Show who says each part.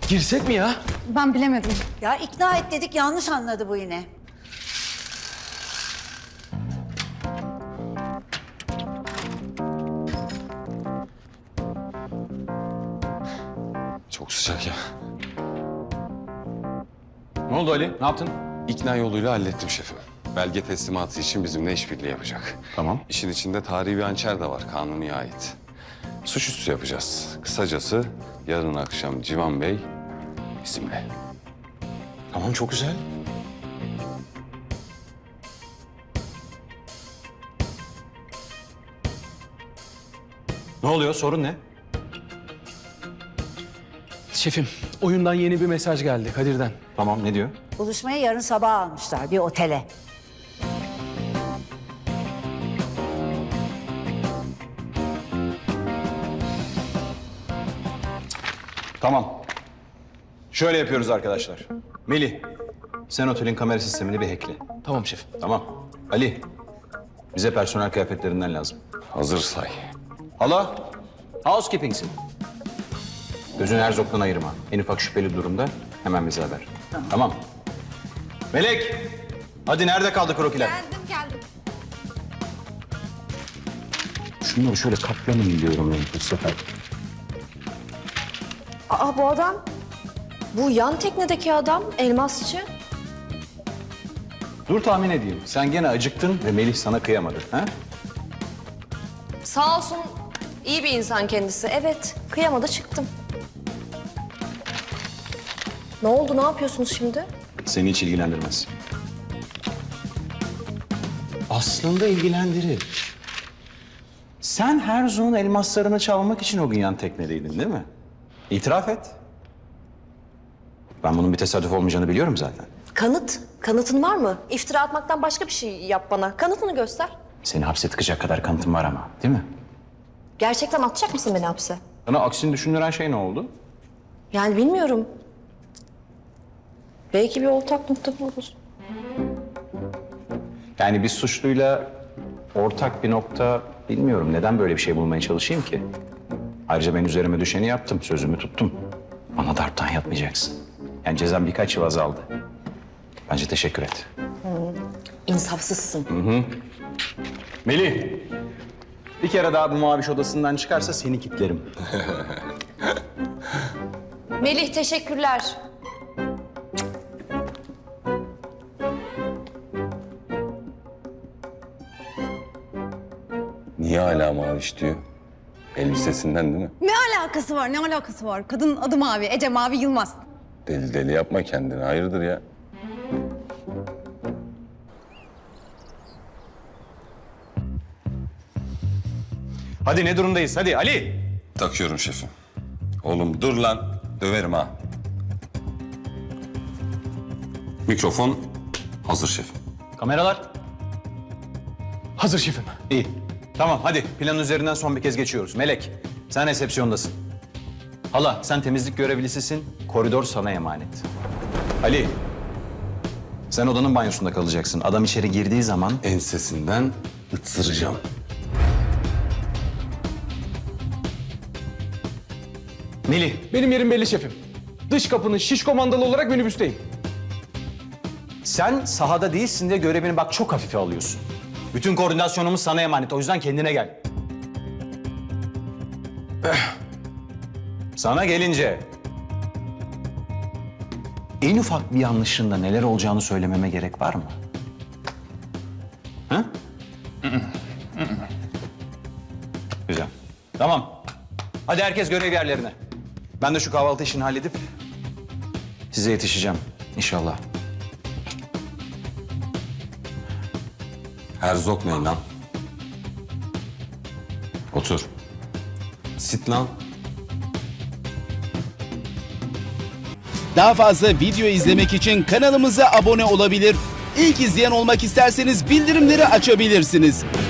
Speaker 1: Girsek mi ya?
Speaker 2: Ben bilemedim.
Speaker 3: Ya ikna et dedik, yanlış anladı bu yine.
Speaker 4: Çok sıcak ya.
Speaker 1: Ne oldu Ali? Ne yaptın?
Speaker 4: İkna yoluyla hallettim şefim. Belge teslimatı için bizimle işbirliği yapacak.
Speaker 1: Tamam.
Speaker 4: İşin içinde tarihi bir hançer de var, kanuniye ait. Suçüstü yapacağız. Kısacası yarın akşam Civan Bey bizimle.
Speaker 1: Tamam, çok güzel. Ne oluyor? Sorun ne?
Speaker 5: Şefim, oyundan yeni bir mesaj geldi Kadir'den.
Speaker 1: Tamam, ne diyor?
Speaker 3: Buluşmayı yarın sabah almışlar bir otele.
Speaker 1: Tamam. Şöyle yapıyoruz arkadaşlar. Melih, sen otelin kamera sistemini bir hackle.
Speaker 5: Tamam şefim.
Speaker 1: Tamam. Ali, bize personel kıyafetlerinden lazım.
Speaker 4: Hazır say.
Speaker 1: Hala, housekeeping'sin. Gözünü Herzog'dan ayırma. En ufak şüpheli durumda hemen bize haber. Tamam. Melek, hadi nerede kaldı krokiler?
Speaker 2: Geldim.
Speaker 1: Şunları şöyle katlanın diyorum ben bu sefer.
Speaker 6: Aa, bu adam, bu yan teknedeki adam, elmasçı.
Speaker 1: Dur tahmin edeyim. Sen gene acıktın ve Melih sana kıyamadı. Ha?
Speaker 6: Sağ olsun, iyi bir insan kendisi. Evet, kıyamadı çıktım. Ne oldu, ne yapıyorsunuz şimdi?
Speaker 1: Seni hiç ilgilendirmez. Aslında ilgilendirir. Sen Herzog'un elmaslarını çalmak için o gün yan teknedeydin değil mi? İtiraf et. Ben bunun bir tesadüf olmayacağını biliyorum zaten.
Speaker 6: Kanıtın var mı? İftira atmaktan başka bir şey yap bana. Kanıtını göster.
Speaker 1: Seni hapse tıkacak kadar kanıtım var ama, değil mi?
Speaker 6: Gerçekten atacak mısın beni hapse?
Speaker 1: Sana aksini düşündüren şey ne oldu?
Speaker 6: Yani bilmiyorum. Belki bir ortak nokta buluruz.
Speaker 1: Yani bir suçluyla ortak bir nokta bilmiyorum. Neden böyle bir şey bulmaya çalışayım ki? Ayrıca ben üzerime düşeni yaptım, sözümü tuttum. Bana darptan yatmayacaksın. Yani cezam birkaç yıl azaldı. Bence teşekkür et.
Speaker 6: İnsafsızsın.
Speaker 1: Melih, bir kere daha bu maviş odasından çıkarsa seni kilitlerim.
Speaker 6: Melih, teşekkürler.
Speaker 4: Niye hala maviş diyor? Elbisesinden değil mi?
Speaker 2: Ne alakası var? Ne alakası var? Kadının adı Mavi. Ece Mavi Yılmaz.
Speaker 4: Deli deli yapma kendini. Hayırdır ya?
Speaker 1: Hadi ne durumdayız? Hadi Ali.
Speaker 4: Takıyorum şefim. Oğlum dur lan. Döverim ha. Mikrofon hazır şefim.
Speaker 1: Kameralar.
Speaker 5: Hazır şefim.
Speaker 1: İyi. Tamam hadi planın üzerinden son bir kez geçiyoruz. Melek, sen resepsiyondasın. Hala, sen temizlik görevlisisin. Koridor sana emanet. Ali, sen odanın banyosunda kalacaksın. Adam içeri girdiği zaman...
Speaker 4: Ensesinden ıtsıracağım.
Speaker 1: Melih,
Speaker 5: Benim yerim belli şefim. Dış kapının şiş komandalı olarak minibüsteyim.
Speaker 1: sen sahada değilsin diye görevini bak çok hafife alıyorsun. Bütün koordinasyonumuz sana emanet. O yüzden kendine gel. Sana gelince... En ufak bir yanlışında neler olacağını söylememe gerek var mı? Ha? Güzel. Tamam. Hadi herkes görev yerlerine. Ben de şu kahvaltı işini halledip size yetişeceğim inşallah.
Speaker 4: Herzog ne lan? Otur. Sit lan.
Speaker 7: Daha fazla video izlemek için kanalımıza abone olabilir. İlk izleyen olmak isterseniz bildirimleri açabilirsiniz.